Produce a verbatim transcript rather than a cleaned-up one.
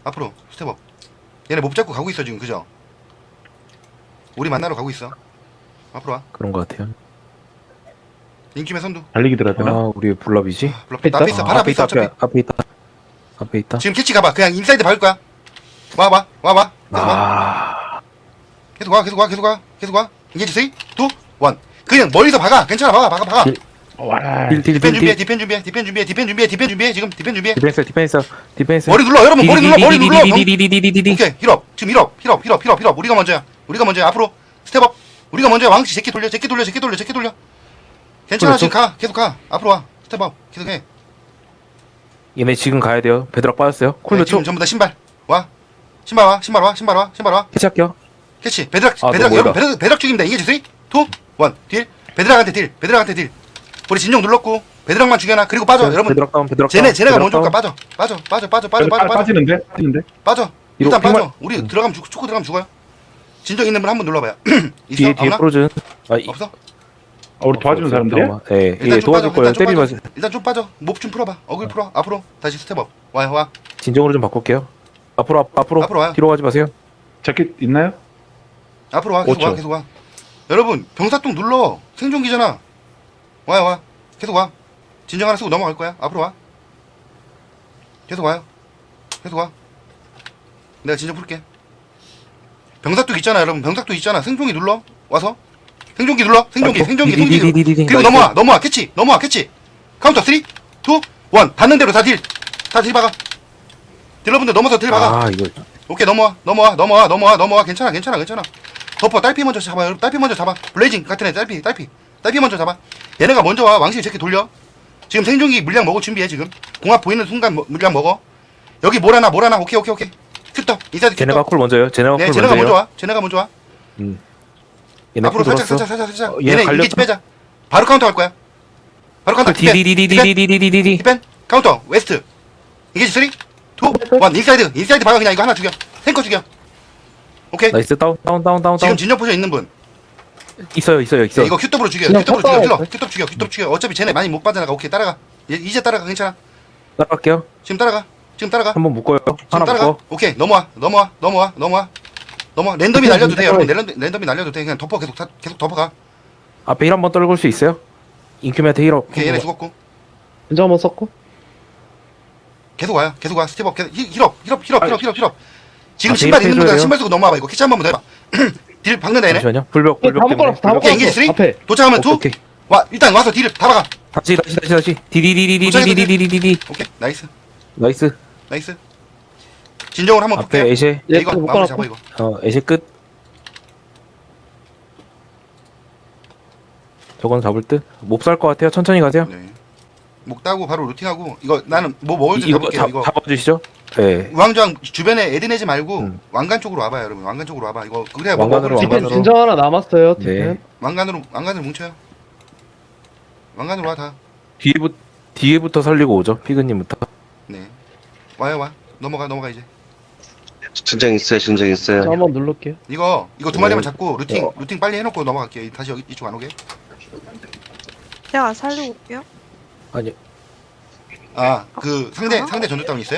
앞으로 스텝업. 얘네 못 잡고 가고 있어 지금. 그죠? 우리 만나러 가고 있어. 앞으로 와. 그런 것 같아요. 인기의 선두. 달리기 들어야 되나? 아, 우리 블랍이지? 아, 블럭. 나 앞에 있어. 아, 바로 앞에 있어. 앞에 어차피. 있다, 앞에 있다. 앞에 있다. 지금 캐치 가봐. 그냥 인사이드 밟을 거야. 와봐. 와봐. 계속 와. 아, 계속 와. 계속 와. 계속 와. 계속 와. 이게 쓰리, 이, 일. 그냥 멀리서 박아. 괜찮아. 박아. 박아. 박아. 딜. 와. 딜, 딜, 디펜 딜, 준비해. 딜. 디펜 준비해. 디펜 준비해. 디펜 준비해. 디펜 준비해. 지금 디펜 준비해. 디펜스, 디펜스, 디펜스. 머리 눌러. 여러분 머리 눌러. 머리 눌러. 경- 디디디디디디디디디. 오케이. 힐업. 지금 힐업. 힐업. 힐업. 힐업. 힐업. 우리가 먼저야. 우리가 먼저야. 앞으로 스텝업. 우리가 먼저야. 왕씨 제끼 돌려. 제끼 돌려. 제끼 돌려. 제끼 돌려. 괜찮아. 그렇죠. 지금 가. 계속 가. 앞으로 와. 스텝업. 계속 해. 얘네 지금 가야 돼요. 베드락 빠졌어요. 쿨 네, 몇 초? 지금 전부 다 신발. 와. 신발 와. 신발 와. 신발 와. 신발 와. 캐치할게요. 캐치. 베드락. 아, 베드락. 너무 여러분 멀다. 베드락, 베드락 죽입니다. 이게 쓰리, 이, 일. 딜. 베드락한테 딜. 베드락한테 딜. 우리 진정 눌렀고 베드락만 죽여놔. 그리고 빠져. 여러분. 베드락 다운, 베드락 쟤네 다운, 쟤네가 베드락 먼저 올까? 다운. 빠져. 빠져. 빠져. 빠져. 빠져. 빠져. 빠져. 빠지는데? 빠지는데? 빠져. 이거 일단 빠져. 핑만- 우리 음. 들어가면 죽, 초코 들어가면 죽어요. 진정 있는 분 한 번 눌러봐요. 있어? 뒤에, 뒤에 아무나? 프로즌. 아, 이- 없어? 아, 우리 도와주는 사람들이야? 예, 예, 일단 좀 도와줄 빠져. 거예요. 일단 좀 때리지 빠져. 마세요. 일단 좀 빠져. 몹 좀 풀어봐. 어글 풀어. 앞으로 다시 스텝업. 와요. 와. 진정으로 좀 바꿀게요. 앞으로, 앞, 앞으로. 앞으로 와요. 뒤로 가지 마세요. 자켓 있나요? 앞으로 와. 계속 오 초. 와. 계속 와. 여러분 병사통 눌러. 생존기잖아. 와요. 와. 계속 와. 진정 하나 쓰고 넘어갈 거야. 앞으로 와. 계속 와요. 계속 와. 내가 진정 풀게. 병사뚝 있잖아, 여러분. 병사뚝 있잖아. 생존기 눌러. 와서. 생존기 눌러. 생존기, 생존기, 생존기. 디디디디디디. 그리고 넘어와, 넘어와. 캐치, 넘어와. 캐치. 카운터 쓰리, 이, 일. 닿는 대로 다 딜. 다 딜 박아. 딜러분들 넘어서 딜 박아. 아, 이거. 오케이, 넘어와, 넘어와, 넘어와, 넘어와, 넘어와. 괜찮아, 괜찮아, 괜찮아. 덮어. 딸피 먼저 잡아. 여러분, 딸피 먼저 잡아. 블레이징 같은 애, 딸피, 딸피. 딸피 먼저 잡아. 얘네가 먼저 와. 왕실 제끼 돌려. 지금 생존기 물량 먹을 준비해, 지금. 공합 보이는 순간 뭐- 물량 먹어. 여기 뭐라나, 뭐라나. 오케이, 오케이, 오케이. 큐떡. 인사이드 쟤네가 큐떡. 쿨 먼저요. 쟤네가 네, 쿨 쟤네가 먼저 먼저요. 와. 쟤네가 먼저 와. 음. 얘네 앞으로 쿨 살짝, 돌았어. 살짝, 살짝, 살짝. 어, 얘네 얘네 갈렸다. 이기지 빼자. 바로 카운터 할 거야. 바로 카운터. 디펜, 디펜, 디디디디디디디디디디. 디펜. 카운터. 웨스트. 이기지 쓰리, 이, 일. 인사이드. 인사이드 박아. 그냥 이거 하나 죽여. 탱커 죽여. 오케이. 나이스 다운 다운 다운 다운 지금 다운. 진정 포션 있는 분. 있어요 있어요 네, 있어요. 이거 큐톱으로 죽여. 그냥 큐톱으로 죽여. 쳤다. 힐러. 큐톱 죽여. 큐톱 죽여. 어차피 쟤네 많이 못 빠져나가. 오케이. 따라가. 얘, 이제 따라가. 괜찮아. 따라갈게요. 지금 따라가. 지금 따라가. 한번 묶어요. 지금 하나 따라가. 묶어. 오케이. 넘어와. 넘어와. 넘어와. 넘어와. 넘어와. 랜덤이 날려도 돼, 여러분. 랜덤, 랜덤이 날려도 돼. 그냥 덮어. 계속 다, 계속 덮어가. 앞에 힐 한번 떨굴 수 있어요? 인큐메한테 힐업. 오케이. 얘네 죽었고. 인정 한번 썼고. 계속 와요. 계속 와. 스텝업. 계속 힐, 힐업. 힐업. 힐업. 힐업. 힐업. 힐업. 지금 아, 신발 데이트 있는 분들 해줘야 신발 쓰고 넘어와봐. 이거 캐치 한 번만 더 해봐. 딜 박는다 얘네. 잠시만요. 불벽 다 불벽 때문에. 묶어놨어, 다 불벽. 오케이. 인게지 쓰리. 앞에. 도착하면 오케이, 투. 오케이. 와. 일단 와서 딜을 다 박아. 다시 다시 다시 다시. 디디디디디디디디디디. 오케이. 나이스. 나이스. 나이스. 진정으로 한번 앞에 볼게요. 에셰. 얘 이거 또 마무리 잡아 묶어놨고. 이거. 어 에셰 끝. 저건 잡을 듯. 못 살 것 같아요. 천천히 가세요. 네. 목 따고 바로 루팅하고 이거 나는 뭐 먹을 줄 이거 잡을게요. 잡, 이거 잡아주시죠. 네. 우왕좌왕 주변에 애드 내지 말고 음. 왕관 쪽으로 와봐요, 여러분. 왕관 쪽으로 와봐. 이거 그래야 뭐 왕관으로, 먹을 수 디펜 있거든. 왕관으로. 진정 하나 남았어요. 네. 디펜. 왕관으로 왕관으로 뭉쳐요. 왕관으로 와 다. 뒤에부 뒤에부터 살리고 오죠. 피그님부터. 네. 와요 와. 넘어가 넘어가 이제. 진정 있어요, 진정 있어요. 저 한번 누를게요. 이거 이거 두 마리만 네. 잡고 루팅 어. 루팅 빨리 해놓고 넘어갈게요. 다시 여기 이쪽 안 오게. 제가 살리고 올게요. 아니 아 그 상대 어? 상대 전투 다운 있어요?